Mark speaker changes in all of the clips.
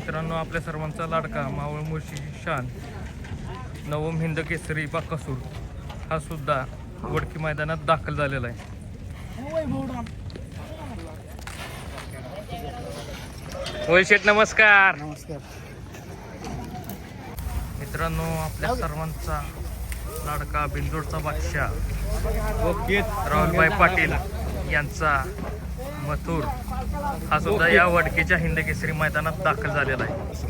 Speaker 1: मित्रांनो, आपल्या सर्वांचा लाडका मावळ मुळशी शान नवम हिंद केसरी बाकासूर हा सुद्धा वडकी मैदानात दाखल झालेला आहे. होय शेठ, नमस्कार.
Speaker 2: नमस्कार
Speaker 1: मित्रांनो, आपल्या सर्वांचा लाडका बिंदूरचा बादशाह राहुलभाई पाटील यांचा मथुर हा सुद्धा या वडकीच्या हिंद केसरी मैदानात दाखल झालेला आहे.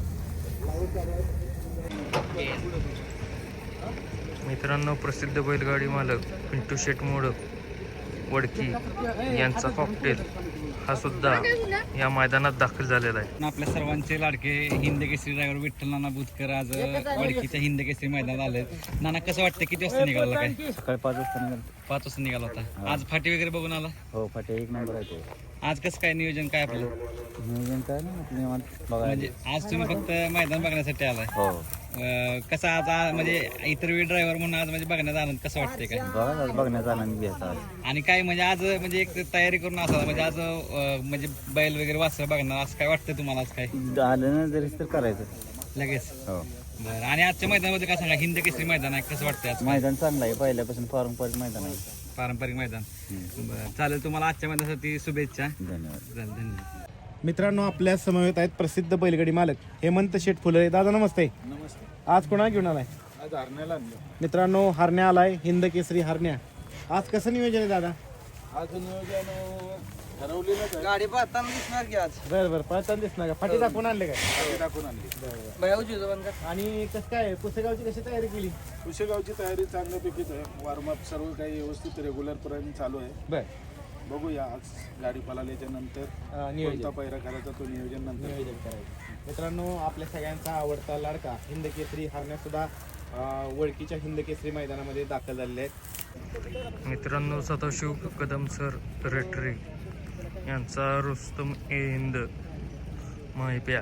Speaker 1: मित्रांनो, प्रसिद्ध बैलगाडी मालक पिंटू शेठ मोडक वडकी यांचा कॉकटेल हा सुद्धा या मैदानात दाखल झालेला आहे.
Speaker 2: आपल्या सर्वांचे लाडके हिंद केसरी ड्रायव्हर विठ्ठल नाना बुधकर आज वडकीच्या हिंद केसरी मैदानात आले. नाना, कसं वाटतं, किती वाजता निघाला? काय
Speaker 3: सकाळी 5 वाजता निघाल.
Speaker 2: 5 वाजता निघाला होता. आज फाटी वगैरे बघून आला?
Speaker 3: हो, फाटे 1 नंबर आहे तो.
Speaker 2: आज कसं काय नियोजन काय आपलं?
Speaker 3: नियोजन काय नाही, आपलं निवांत बघायला.
Speaker 2: म्हणजे आज तुम्ही फक्त मैदान बघण्यासाठी आलाय?
Speaker 3: हो,
Speaker 2: कसं आज म्हणजे इतर वेळ ड्रायव्हर म्हणून आज म्हणजे बघण्यात आनंद कसं वाटतंय काय?
Speaker 3: बघा आज बघण्याचा आनंद घ्यायचा आज.
Speaker 2: आणि काय म्हणजे आज म्हणजे एक तयारी करून असा म्हणजे आज म्हणजे बैल वगैरे वासरं बघणार असं काय वाटतं तुम्हाला? आज काय
Speaker 3: आलं ना जरी तर करायचं
Speaker 2: लगेच?
Speaker 3: हो.
Speaker 2: बरं. आणि आजच्या मैदानामध्ये काय सांगा, हिंद केसरी मैदान आहे, कसं वाटतं आज?
Speaker 3: मैदान चांगलं आहे, पहिल्यापासून पारंपरिक मैदान आहे.
Speaker 2: पारंपरिक मैदान. बरं, चालेल. तुम्हाला आजच्या मैदानासाठी शुभेच्छा.
Speaker 3: धन्यवाद.
Speaker 2: धन्यवाद.
Speaker 4: मित्रांनो, आपल्या समवेत आहेत प्रसिद्ध बैलगाडी मालक हेमंत शेठ फुले. दादा नमस्ते.
Speaker 5: नमस्ते.
Speaker 4: आज कोणा घेऊन आलाय?
Speaker 5: आज हरण्याला आणलं.
Speaker 4: मित्रांनो, हरण्या आलाय, हिंद केसरी हरण्या. आज कसं नियोजन आहे दादा?
Speaker 5: आज नियोजन ठरवलेलंच आहे.
Speaker 2: गाडी पाहताना दिसणार की आज
Speaker 4: बरं बरं, पळताना दिसणार का? फाटी दाखवून आणले काय?
Speaker 5: गाडी टाकून आणली.
Speaker 4: आणि कसं काय पुसेगावची कशी तयारी केली?
Speaker 5: कुशेगावची तयारी चांगल्यापैकीच आहे. वॉर्मअप सर्व काही व्यवस्थित रेग्युलर पर्यंत चालू आहे.
Speaker 4: बरं,
Speaker 5: बघूया आज गाडी पळाल्याच्या नंतर
Speaker 4: नियोजन
Speaker 5: कोणता पैरा करायचा तो नियोजन नंतर.
Speaker 4: नियोजन करायचं. मित्रांनो, आपल्या सगळ्यांचा आवडता लाडका हिंद केसरी हरण्या सुद्धा वडकीच्या हिंद केसरी मैदानामध्ये दाखल झालेले आहेत.
Speaker 1: मित्रांनो, सदाशिव कदम सर रेटरे यांचा रुस्तम ए हिंद माहिप्या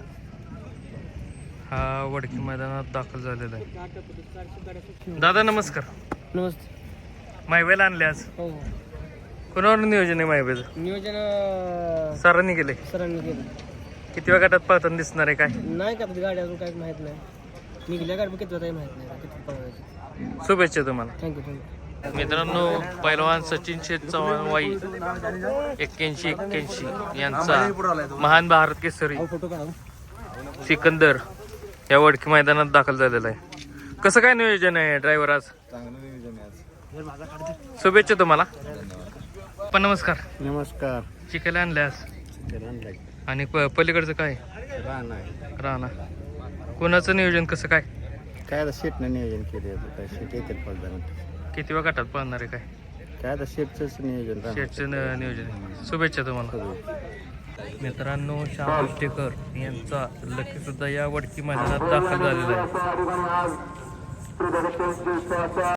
Speaker 1: हा वडकी मैदानात दाखल झालेला आहे. दादा नमस्कार.
Speaker 6: नमस्ते.
Speaker 1: माहिब्याला आणले आज.
Speaker 6: हो,
Speaker 1: कोणावर नियोजन आहे माहिब्याचं?
Speaker 6: नियोजन
Speaker 1: सरांनी केले.
Speaker 6: सरांनी केलं.
Speaker 1: किती वेळ गटात पळताना दिसणार आहे काय?
Speaker 6: नाही का गाडी अजून काहीच माहीत नाही. निघल्या गाडी किती होता माहीत नाही किती पळवायची.
Speaker 1: शुभेच्छा तुम्हाला.
Speaker 6: थँक्यू.
Speaker 1: मित्रांनो, पैलवान सचिन शेठ चव्हाण वाई 81-81 यांचा महान भारत केसरी सिकंदर या वडकी मैदानात दाखल झालेला आहे. कसं काय नियोजन आहे ड्रायव्हर आज?
Speaker 5: चांगलं नियोजन आहे आज.
Speaker 1: शुभेच्छा तुम्हाला. पण नमस्कार.
Speaker 4: नमस्कार.
Speaker 1: चिकायला आणले आज आणि पलीकडचं काय राणा कोणाचं नियोजन कसं काय?
Speaker 3: काय आता शेटनं नियोजन केले, काय शेट येतील फौजदार.
Speaker 1: किती वेळ गटात पळणार आहे काय?
Speaker 3: काय आता शेटचंच नियोजन राहणार.
Speaker 1: शेटचं नियोजन आहे. शुभेच्छा तुम्हाला. मित्रांनो, श्याम कुष्टेकर यांचा लकी सुद्धा या वडकी मैदानात दाखल झालेला आहे.